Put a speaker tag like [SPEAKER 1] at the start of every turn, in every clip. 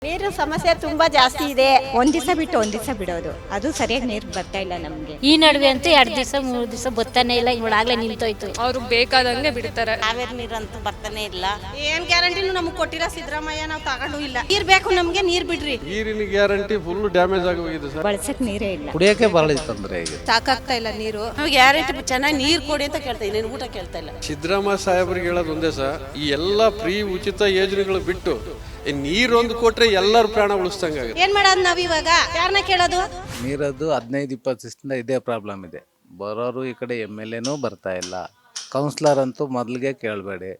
[SPEAKER 1] ನೀರು ಸಮಸ್ಯೆ ತುಂಬಾ ಜಾಸ್ತಿ ಇದೆ.
[SPEAKER 2] ಒಂದ್ ದಿವಸ ಬಿಟ್ಟು ಒಂದ್ ದಿವಸ ಬಿಡೋದು, ಅದು ಸರಿಯಾಗಿ ನೀರು ಬರ್ತಾ ಇಲ್ಲ ನಮ್ಗೆ.
[SPEAKER 3] ಈ ನಡುವೆ ಅಂತೂ 2 ದಿವಸ 3 ದಿವಸ ಬರ್ತಾನೆ ಇಲ್ಲ, ಇವಾಗಲೇ ನಿಂತೋಯ್ತು.
[SPEAKER 4] ಅವ್ರಿಗೆ ಬೇಕಾದಂಗೆ ಬಿಡ್ತಾರೆ.
[SPEAKER 5] ಕಾವೇರಿ ನೀರಂತೂ ಬರ್ತಾನೆ ಇಲ್ಲ.
[SPEAKER 1] ಏನ್ ಗ್ಯಾರಂಟಿನೂ ನಮ್ಗೆ ಕೊಟ್ಟಿಲ್ಲ ಸಿದ್ದರಾಮಯ್ಯ, ನಾವು ತಗೊಂಡು ಇಲ್ಲ. ನೀರ್ ಬೇಕು ನಮ್ಗೆ, ನೀರ್ ಬಿಡ್ರಿ.
[SPEAKER 6] ನೀರಿನ ಗ್ಯಾರಂಟಿ ಫುಲ್ ಡ್ಯಾಮೇಜ್ ಆಗೋಗಿದೆ ಸರ್.
[SPEAKER 2] ಬಳಸಕ್ ನೀರೇ ಇಲ್ಲ,
[SPEAKER 7] ಕುಡಿಯೋಕೆ ಬಹಳ ತೊಂದರೆ ಇದೆ.
[SPEAKER 1] ಸಾಕಾಗ್ತಾ ಇಲ್ಲ ನೀರು.
[SPEAKER 5] ನಮ್ಗೆ ಗ್ಯಾರಂಟಿ ಚೆನ್ನಾಗಿ ನೀರು ಕೊಡಿ ಅಂತ ಕೇಳ್ತಾ ಇದ್ದೀನಿ, ಊಟ ಕೇಳ್ತಾ ಇಲ್ಲ.
[SPEAKER 6] ಸಿದ್ದರಾಮಯ್ಯ ಸಾಹೇಬರಿಗೆ ಹೇಳೋದು ಒಂದೇ ಸರ್, ಈ ಎಲ್ಲ ಫ್ರೀ ಉಚಿತ ಯೋಜನೆಗಳು ಬಿಟ್ಟು ನೀರೊಂದು ಕೊಟ್ರೆ ಎಲ್ಲರ ಪ್ರಾಣ ಉಳಿಸ್ದಂಗಾಗುತ್ತೆ.
[SPEAKER 1] ಏನ್ ಮಾಡೋದು ನಾವ್ ಇವಾಗ? ಯಾರನ್ನ ಕೇಳೋದು?
[SPEAKER 7] ನೀರದ್ದು 15-20 ದಿವಸದಿಂದ ಇದೇ ಪ್ರಾಬ್ಲಮ್ ಇದೆ. ಬರೋರು ಈ ಕಡೆ MLA ಬರ್ತಾ ಇಲ್ಲ, ಕೌನ್ಸಿಲರ್ ಅಂತೂ ಮೊದಲಿಗೆ ಕೇಳಬೇಡಿ.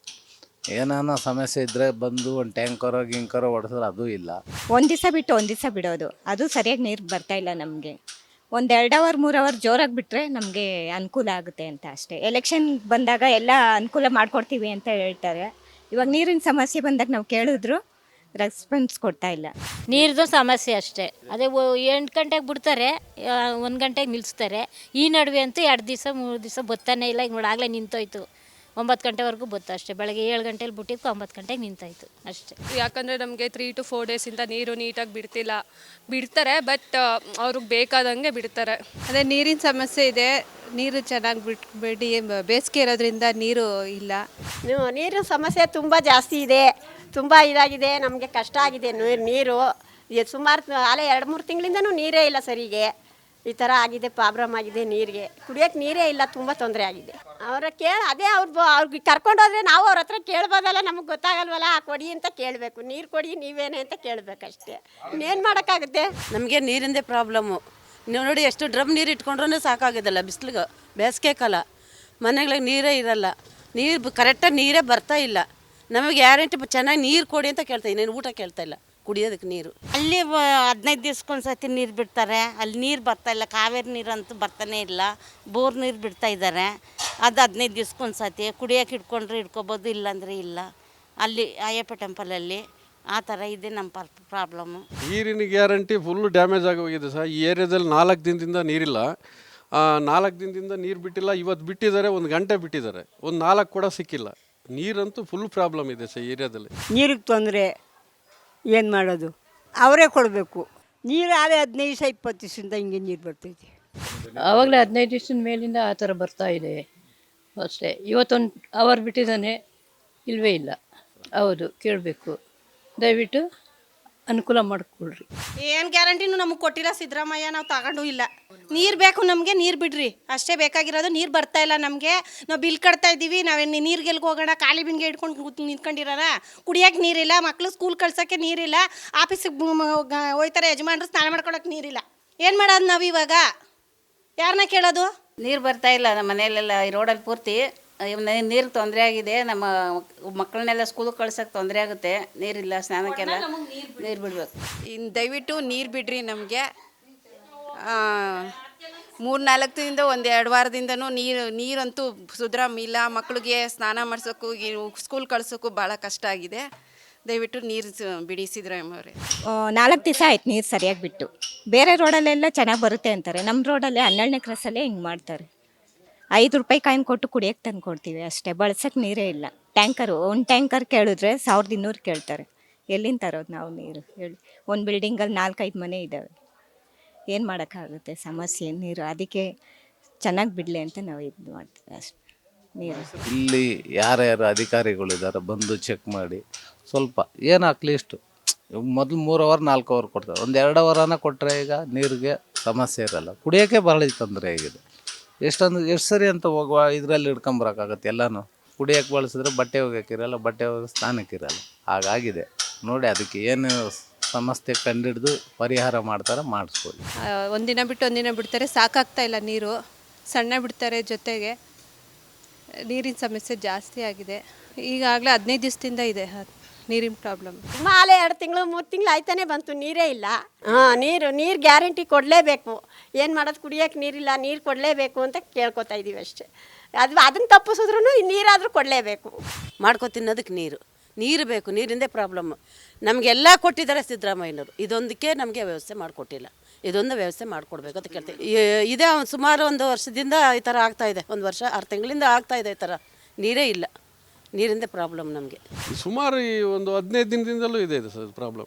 [SPEAKER 7] ಏನಾನ ಸಮಸ್ಯೆ ಇದ್ದರೆ ಬಂದು ಒಂದು ಟ್ಯಾಂಕರೋ ಗಿಂಕರೋ ಹೊಡೆಸಿದ್ರೆ ಅದು ಇಲ್ಲ.
[SPEAKER 2] ಒಂದ್ ದಿವಸ ಬಿಟ್ಟು ಒಂದ್ ದಿವಸ ಬಿಡೋದು, ಅದು ಸರಿಯಾಗಿ ನೀರು ಬರ್ತಾ ಇಲ್ಲ ನಮಗೆ. ಒಂದು 2 ಅವರ್ 3 ಅವರ್ ಜೋರಾಗಿ ಬಿಟ್ಟರೆ ನಮಗೆ ಅನುಕೂಲ ಆಗುತ್ತೆ ಅಂತ ಅಷ್ಟೇ. ಎಲೆಕ್ಷನ್ ಬಂದಾಗ ಎಲ್ಲ ಅನುಕೂಲ ಮಾಡಿಕೊಡ್ತೀವಿ ಅಂತ ಹೇಳ್ತಾರೆ. ಇವಾಗ ನೀರಿನ ಸಮಸ್ಯೆ ಬಂದಾಗ ನಾವು ಕೇಳಿದ್ರು ರೆಸ್ಪಾನ್ಸ್ ಕೊಡ್ತಾ ಇಲ್ಲ.
[SPEAKER 3] ನೀರ್ದು ಸಮಸ್ಯೆ ಅಷ್ಟೇ. ಅದೇ 8 ಗಂಟೆಗೆ ಬಿಡ್ತಾರೆ, 1 ಗಂಟೆಗೆ ನಿಲ್ಲಿಸ್ತಾರೆ. ಈ ನಡುವೆ ಅಂತೂ 2 ದಿವಸ 3 ದಿವಸ ಬರ್ತಾನೆ ಇಲ್ಲ, ಇವಾಗಲೇ ನಿಂತೋಯ್ತು. 9 ಗಂಟೆವರೆಗೂ ಬತ್ತು ಅಷ್ಟೇ. ಬೆಳಗ್ಗೆ 7 ಗಂಟೆಲಿ ಬಿಟ್ಟಿದ್ದು 9 ಗಂಟೆಗೆ ನಿಂತಾಯ್ತು ಅಷ್ಟೇ.
[SPEAKER 4] ಯಾಕಂದರೆ ನಮಗೆ 3 to 4 ಡೇಸಿಂದ ನೀರು ನೀಟಾಗಿ ಬಿಡ್ತಾರೆ, ಬಟ್ ಅವ್ರಿಗೆ ಬೇಕಾದಂಗೆ ಬಿಡ್ತಾರೆ.
[SPEAKER 1] ಅದೇ ನೀರಿನ ಸಮಸ್ಯೆ ಇದೆ. ನೀರು ಚೆನ್ನಾಗಿ ಬಿಡಿ, ಬೇಸಿಗೆ ಇರೋದ್ರಿಂದ ನೀರು ಇಲ್ಲ. ನೀರಿನ ಸಮಸ್ಯೆ ತುಂಬ ಜಾಸ್ತಿ ಇದೆ, ತುಂಬ ಇದಾಗಿದೆ. ನಮಗೆ ಕಷ್ಟ ಆಗಿದೆ ನೀರು. ಸುಮಾರು ಅಲ್ಲೇ 2-3 ತಿಂಗಳಿಂದನೂ ನೀರೇ ಇಲ್ಲ ಸರಿಗೆ. ಈ ಥರ ಆಗಿದೆ, ಪ್ರಾಬ್ಲಮ್ ಆಗಿದೆ. ನೀರಿಗೆ ಕುಡಿಯೋಕ್ಕೆ ನೀರೇ ಇಲ್ಲ, ತುಂಬ ತೊಂದರೆ ಆಗಿದೆ. ಅದೇ ಅವ್ರಿಗೆ ಕರ್ಕೊಂಡೋದ್ರೆ ನಾವು ಅವ್ರ ಹತ್ರ ಕೇಳ್ಬೋದಲ್ಲ, ನಮಗೆ ಗೊತ್ತಾಗಲ್ವಲ್ಲ. ಕೊಡಿ ಅಂತ ಕೇಳಬೇಕು, ನೀರು ಕೊಡಿ ನೀವೇನೆ ಅಂತ ಕೇಳಬೇಕಷ್ಟೇ. ಇನ್ನೇನು ಮಾಡೋಕ್ಕಾಗುತ್ತೆ?
[SPEAKER 5] ನಮಗೆ ನೀರಿಂದೇ ಪ್ರಾಬ್ಲಮ್ಮು. ನೀವು ನೋಡಿ, ಎಷ್ಟು ಡ್ರಮ್ ನೀರು ಇಟ್ಕೊಂಡ್ರೂ ಸಾಕಾಗೋದಿಲ್ಲ. ಬಿಸಿಲಿಗೆ ಬೇಸಿಗೆ ಕಾಲ ಮನೆಗಳಿಗೆ ನೀರೇ ಇರಲ್ಲ. ನೀರು ಕರೆಕ್ಟಾಗಿ ನೀರೇ ಬರ್ತಾ ಇಲ್ಲ. ನಮಗೆ ಗ್ಯಾರಂಟಿ ಚೆನ್ನಾಗಿ ನೀರು ಕೊಡಿ ಅಂತ ಕೇಳ್ತಾ ಇದ್ದೀನಿ, ಊಟ ಕೇಳ್ತಾ ಇಲ್ಲ, ಕುಡಿಯೋದಕ್ಕೆ ನೀರು.
[SPEAKER 8] ಅಲ್ಲಿ 15 ದಿವ್ಸಕ್ಕೊಂದ್ಸತಿ ನೀರು ಬಿಡ್ತಾರೆ, ಅಲ್ಲಿ ನೀರು ಬರ್ತಾ ಇಲ್ಲ. ಕಾವೇರಿ ನೀರಂತೂ ಬರ್ತಾನೆ ಇಲ್ಲ. ಬೋರ್ ನೀರು ಬಿಡ್ತಾ ಇದ್ದಾರೆ, ಅದು 15 ದಿವ್ಸಕ್ಕೊಂದ್ಸತಿ. ಕುಡಿಯೋಕೆ ಇಟ್ಕೊಂಡ್ರೆ ಇಟ್ಕೋಬೋದು, ಇಲ್ಲಾಂದರೆ ಇಲ್ಲ. ಅಲ್ಲಿ ಅಯ್ಯಪ್ಪ ಟೆಂಪಲಲ್ಲಿ ಆ ಥರ ಇದೆ ನಮ್ಮ ಪ್ರಾಬ್ಲಮ್ಮು.
[SPEAKER 6] ನೀರಿನ ಗ್ಯಾರಂಟಿ ಫುಲ್ ಡ್ಯಾಮೇಜ್ ಆಗೋಗಿದೆ ಸರ್. ಈ ಏರಿಯಾದಲ್ಲಿ 4 ದಿನದಿಂದ ನೀರಿಲ್ಲ. 4 ದಿನದಿಂದ ನೀರು ಬಿಟ್ಟಿಲ್ಲ. ಇವತ್ತು ಬಿಟ್ಟಿದ್ದಾರೆ, 1 ಗಂಟೆ ಬಿಟ್ಟಿದ್ದಾರೆ, ಒಂದು 4 ಕೂಡ ಸಿಕ್ಕಿಲ್ಲ. ನೀರಂತೂ ಫುಲ್ ಪ್ರಾಬ್ಲಮ್ ಇದೆ ಸರ್ ಏರಿಯಾದಲ್ಲಿ.
[SPEAKER 9] ನೀರಿಗೆ ತೊಂದರೆ, ಏನು ಮಾಡೋದು? ಅವರೇ ಕೊಡಬೇಕು ನೀರು. ಆದರೆ 15-20 ದಿವಸದಿಂದ ಹಿಂಗೆ ನೀರು ಬರ್ತೈತೆ.
[SPEAKER 10] ಆವಾಗಲೇ 15 ದಿವಸದ ಮೇಲಿಂದ ಆ ಥರ ಬರ್ತಾ ಇದೆ ಅಷ್ಟೇ. ಇವತ್ತೊಂದು ಅವರ್ ಬಿಟ್ಟಿದ್ದಾನೆ, ಇಲ್ಲವೇ ಇಲ್ಲ. ಹೌದು, ಕೇಳಬೇಕು, ದಯವಿಟ್ಟು ಅನುಕೂಲ ಮಾಡಿಕೊಡ್ರಿ.
[SPEAKER 1] ಏನು ಗ್ಯಾರಂಟಿನೂ ನಮಗೆ ಕೊಟ್ಟಿಲ್ಲ ಸಿದ್ದರಾಮಯ್ಯ, ನಾವು ತಗೊಂಡು ಇಲ್ಲ. ನೀರು ಬೇಕು ನಮಗೆ, ನೀರು ಬಿಡ್ರಿ ಅಷ್ಟೇ ಬೇಕಾಗಿರೋದು. ನೀರು ಬರ್ತಾ ಇಲ್ಲ ನಮಗೆ, ನಾವು ಬಿಲ್ ಕಟ್ತಾ ಇದ್ದೀವಿ. ನಾವೇನು ನೀರಿಗೆಲ್ಗೆ ಹೋಗೋಣ? ಖಾಲಿ ಬಿನ್ಗೆ ಇಟ್ಕೊಂಡು ನಿಂತ್ಕೊಂಡಿರೋಣ? ಕುಡಿಯೋಕೆ ನೀರಿಲ್ಲ, ಮಕ್ಕಳು ಸ್ಕೂಲ್ ಕಳ್ಸೋಕ್ಕೆ ನೀರಿಲ್ಲ, ಆಫೀಸಿಗೆ ಹೋಯ್ತಾರೆ ಯಜಮಾನ್ರು, ಸ್ನಾನ ಮಾಡ್ಕೊಳಕ್ಕೆ ನೀರಿಲ್ಲ. ಏನು ಮಾಡೋದು ನಾವು ಇವಾಗ? ಯಾರನ್ನ ಕೇಳೋದು?
[SPEAKER 5] ನೀರು ಬರ್ತಾ ಇಲ್ಲ ನಮ್ಮ ಮನೆಯಲ್ಲೆಲ್ಲ. ಈ ರೋಡಲ್ಲಿ ಪೂರ್ತಿ ನೀರು ತೊಂದರೆ ಆಗಿದೆ. ನಮ್ಮ ಮಕ್ಕಳನ್ನೆಲ್ಲ ಸ್ಕೂಲಿಗೆ ಕಳ್ಸೋಕ್ಕೆ ತೊಂದರೆ ಆಗುತ್ತೆ. ನೀರಿಲ್ಲ, ಸ್ನಾನಕ್ಕೆಲ್ಲ ನೀರು ಬಿಡಬೇಕು.
[SPEAKER 1] ಇನ್ನು ದಯವಿಟ್ಟು ನೀರು ಬಿಡ್ರಿ ನಮಗೆ. 3-4 ದಿನದಿಂದ 1-2 ವಾರದಿಂದನೂ ನೀರಂತೂ ಸುಧಾರಾಮ ಇಲ್ಲ. ಮಕ್ಕಳಿಗೆ ಸ್ನಾನ ಮಾಡಿಸೋಕ್ಕೂ ಸ್ಕೂಲ್ ಕಳ್ಸೋಕ್ಕೂ ಭಾಳ ಕಷ್ಟ ಆಗಿದೆ. ದಯವಿಟ್ಟು ನೀರು ಬಿಡಿ ಸಿದ್ದರಾಮಯ್ಯ ಅವರೇ.
[SPEAKER 2] 4 ದಿವಸ ಆಯ್ತು ನೀರು ಸರಿಯಾಗಿ ಬಿಟ್ಟು. ಬೇರೆ ರೋಡಲ್ಲೆಲ್ಲ ಚೆನ್ನಾಗಿ ಬರುತ್ತೆ ಅಂತಾರೆ, ನಮ್ಮ ರೋಡಲ್ಲಿ 12ನೇ ಕ್ರಾಸಲ್ಲೇ ಹಿಂಗೆ ಮಾಡ್ತಾರೆ. 5 ರೂಪಾಯಿ ಕಾಯಿನ್ ಕೊಟ್ಟು ಕುಡಿಯೋಕ್ಕೆ ತಂದು ಕೊಡ್ತೀವಿ ಅಷ್ಟೇ. ಬಳಸೋಕ್ಕೆ ನೀರೇ ಇಲ್ಲ. ಟ್ಯಾಂಕರು, ಒಂದು ಟ್ಯಾಂಕರ್ ಕೇಳಿದ್ರೆ 1200 ಕೇಳ್ತಾರೆ. ಎಲ್ಲಿಂದ ತರೋದು ನಾವು ನೀರು ಹೇಳಿ? ಒಂದು ಬಿಲ್ಡಿಂಗಲ್ಲಿ 4-5 ಮನೆ ಇದ್ದಾವೆ, ಏನು ಮಾಡೋಕ್ಕಾಗುತ್ತೆ? ಸಮಸ್ಯೆ ನೀರು. ಅದಕ್ಕೆ ಚೆನ್ನಾಗಿ ಬಿಡಲಿ ಅಂತ ನಾವು ಇದು ಮಾಡ್ತೀವಿ ಅಷ್ಟೇ. ನೀರು
[SPEAKER 7] ಇಲ್ಲಿ ಯಾರ್ಯಾರು ಅಧಿಕಾರಿಗಳಿದ್ದಾರೆ ಬಂದು ಚೆಕ್ ಮಾಡಿ ಸ್ವಲ್ಪ ಏನು ಅಟ್ಲೀಸ್ಟು ಮೊದಲು 3 ಅವರ್ 4 ಅವರ್ ಕೊಡ್ತಾರೆ. ಒಂದು 2 ಅವರನ್ನ ಕೊಟ್ಟರೆ ಈಗ ನೀರಿಗೆ ಸಮಸ್ಯೆ ಇರಲ್ಲ. ಕುಡಿಯೋಕ್ಕೆ ಭಾಳ ತೊಂದರೆ ಆಗಿದೆ. ಎಷ್ಟು ಸರಿ ಅಂತ ಹೋಗುವ ಇದರಲ್ಲಿ ಹಿಡ್ಕೊಂಬರೋಕ್ಕಾಗತ್ತೆ ಎಲ್ಲನೂ. ಕುಡಿಯೋಕ್ಕೆ ಬಳಸಿದ್ರೆ ಬಟ್ಟೆ ಒಗ್ಯೋಕ್ಕಿರಲ್ಲ, ಬಟ್ಟೆ ಒಗೆದು ಸ್ನಾನಕ್ಕಿರಲ್ಲ. ಹಾಗಾಗಿದೆ ನೋಡಿ. ಅದಕ್ಕೆ ಏನು ಸಮಸ್ಯೆ ಕಂಡಿಡಿದು ಪರಿಹಾರ ಮಾಡ್ತಾರೆ, ಮಾಡಿಸ್ಕೊಳ್ಳಿ.
[SPEAKER 1] ಒಂದಿನ ಬಿಟ್ಟು ಒಂದಿನ ಬಿಡ್ತಾರೆ, ಸಾಕಾಗ್ತಾ ಇಲ್ಲ ನೀರು. ಸಣ್ಣ ಬಿಡ್ತಾರೆ, ಜೊತೆಗೆ ನೀರಿನ ಸಮಸ್ಯೆ ಜಾಸ್ತಿ ಆಗಿದೆ. ಈಗಾಗಲೇ 15 ದಿವಸದಿಂದ ಇದೆ ನೀರಿನ ಪ್ರಾಬ್ಲಮ್.
[SPEAKER 5] ಮಾಲೆ 2 ತಿಂಗಳು 3 ತಿಂಗಳು ಆಯ್ತಾನೆ ಬಂತು, ನೀರೇ ಇಲ್ಲ. ನೀರು ಗ್ಯಾರಂಟಿ ಕೊಡಲೇಬೇಕು. ಏನು ಮಾಡೋದು? ಕುಡಿಯೋಕ್ಕೆ ನೀರಿಲ್ಲ, ನೀರು ಕೊಡಲೇಬೇಕು ಅಂತ ಕೇಳ್ಕೊತಾ ಇದ್ದೀವಿ ಅಷ್ಟೇ. ಅದನ್ನು ತಪ್ಪಿಸಿದ್ರು ನೀರಾದರೂ ಕೊಡಲೇಬೇಕು. ಮಾಡ್ಕೊ ತಿನ್ನೋದಕ್ಕೆ ನೀರು ಬೇಕು. ನೀರಿಂದೇ ಪ್ರಾಬ್ಲಮ್ಮು. ನಮಗೆಲ್ಲ ಕೊಟ್ಟಿದ್ದಾರೆ ಸಿದ್ದರಾಮಯ್ಯನವರು, ಇದೊಂದಕ್ಕೆ ನಮಗೆ ವ್ಯವಸ್ಥೆ ಮಾಡಿಕೊಟ್ಟಿಲ್ಲ. ಇದೊಂದು ವ್ಯವಸ್ಥೆ ಮಾಡಿಕೊಡ್ಬೇಕು ಅಂತ ಕೇಳ್ತೀವಿ. ಇದೇ ಸುಮಾರು 1 ವರ್ಷದಿಂದ ಈ ಥರ ಆಗ್ತಾಯಿದೆ. 1 ವರ್ಷ 6 ತಿಂಗಳಿಂದ ಆಗ್ತಾಯಿದೆ ಈ ಥರ. ನೀರೇ ಇಲ್ಲ. ನೀರಿಂದೇ ಪ್ರಾಬ್ಲಮ್ ನಮಗೆ.
[SPEAKER 6] ಸುಮಾರು ಈ ಒಂದು 15 ದಿನದಿಂದಲೂ ಇದೆ ಸರ್ ಪ್ರಾಬ್ಲಮ್.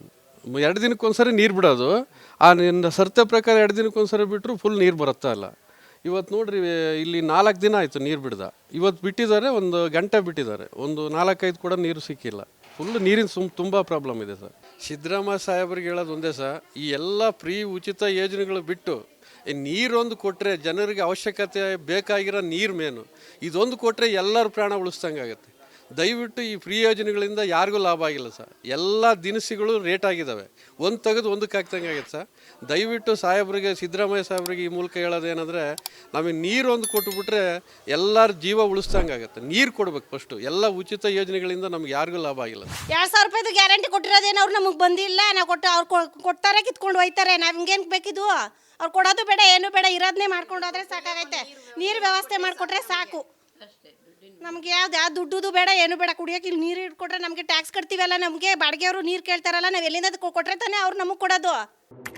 [SPEAKER 6] 2 ದಿನಕ್ಕೊಂದ್ಸರಿ ನೀರು ಬಿಡೋದು. ಆ ನಿನ್ನ ಸರ್ತೆ ಪ್ರಕಾರ 2 ದಿನಕ್ಕೊಂದ್ಸರಿ ಬಿಟ್ಟರು ಫುಲ್ ನೀರು ಬರುತ್ತಾ ಇಲ್ಲ. ಇವತ್ತು ನೋಡ್ರಿ ಇಲ್ಲಿ 4 ದಿನ ಆಯಿತು ನೀರು ಬಿಡ್ದ. ಇವತ್ತು ಬಿಟ್ಟಿದ್ದಾರೆ, 1 ಗಂಟೆ ಬಿಟ್ಟಿದ್ದಾರೆ, ಒಂದು 4-5 ಕೂಡ ನೀರು ಸಿಕ್ಕಿಲ್ಲ. ಫುಲ್ ನೀರಿನ ತುಂಬ ಪ್ರಾಬ್ಲಮ್ ಇದೆ ಸರ್. ಸಿದ್ದರಾಮಯ್ಯ ಸಾಹೇಬ್ರಿಗೆ ಹೇಳೋದು ಒಂದೇ ಸರ್, ಈ ಎಲ್ಲ ಫ್ರೀ ಉಚಿತ ಯೋಜನೆಗಳು ಬಿಟ್ಟು ಈ ನೀರೊಂದು ಕೊಟ್ಟರೆ ಜನರಿಗೆ ಅವಶ್ಯಕತೆ ಬೇಕಾಗಿರೋ ನೀರು ಮೇನು, ಇದೊಂದು ಕೊಟ್ಟರೆ ಎಲ್ಲರ ಪ್ರಾಣ ಉಳಿಸ್ದಂಗೆ ಆಗುತ್ತೆ. ದಯವಿಟ್ಟು ಈ ಫ್ರೀ ಯೋಜನೆಗಳಿಂದ ಯಾರಿಗೂ ಲಾಭ ಆಗಿಲ್ಲ ಸರ್. ಎಲ್ಲ ದಿನಸಿಗಳು ರೇಟ್ ಆಗಿದ್ದಾವೆ, ಒಂದು ತೆಗೆದು ಒಂದಕ್ಕೆ ಹಾಕ್ದಂಗೆ ಆಗೈತೆ ಸರ್. ದಯವಿಟ್ಟು ಸಾಹೇಬ್ರಿಗೆ, ಸಿದ್ದರಾಮಯ್ಯ ಸಾಹೇಬ್ರಿಗೆ ಈ ಮೂಲಕ ಹೇಳೋದೇನೆಂದರೆ, ನಮಗೆ ನೀರೊಂದು ಕೊಟ್ಟುಬಿಟ್ರೆ ಎಲ್ಲರ ಜೀವ ಉಳಿಸ್ದಂಗೆ ಆಗುತ್ತೆ. ನೀರು ಕೊಡ್ಬೇಕು ಫಸ್ಟು. ಎಲ್ಲ ಉಚಿತ ಯೋಜನೆಗಳಿಂದ ನಮ್ಗೆ ಯಾರಿಗೂ ಲಾಭ ಆಗಿಲ್ಲ.
[SPEAKER 8] 2,000 ರೂಪಾಯಿದು ಗ್ಯಾರಂಟಿ ಕೊಟ್ಟಿರೋದೇನು ಅವ್ರು ನಮಗೆ ಬಂದಿಲ್ಲ. ನಾವು ಅವ್ರು ಕೊಡ್ತಾರೆ, ಕಿತ್ಕೊಂಡು ಹೋಯ್ತಾರೆ. ನಾವು ಹಿಂಗೇನು ಬೇಕಿದ್ವು? ಅವ್ರು ಕೊಡೋದು ಬೇಡ, ಏನು ಬೇಡ, ಇರೋದನ್ನೇ ಮಾಡ್ಕೊಂಡು ಹೋದ್ರೆ ಸಾಕಾಗೈತೆ. ನೀರು ವ್ಯವಸ್ಥೆ ಮಾಡಿಕೊಟ್ರೆ ಸಾಕು. ನಮ್ಗೆ ಯಾವ ದುಡ್ಡು ಬೇಡ, ಏನು ಬೇಡ. ಕುಡಿಯೋಕೆ ಇಲ್ಲಿ ನೀರು ಇಟ್ಕೊಟ್ರೆ ನಮಗೆ ಟ್ಯಾಕ್ಸ್ ಕಟ್ತೀವಲ್ಲ, ನಮಗೆ ಬಾಡಿಗೆಯವರು ನೀರು ಕೇಳ್ತಾರಲ್ಲ, ನಾವು ಎಲ್ಲಿಂದ ಕೊಟ್ಟರೆ ತಾನೇ ಅವ್ರು ನಮಗೆ ಕೊಡೋದು.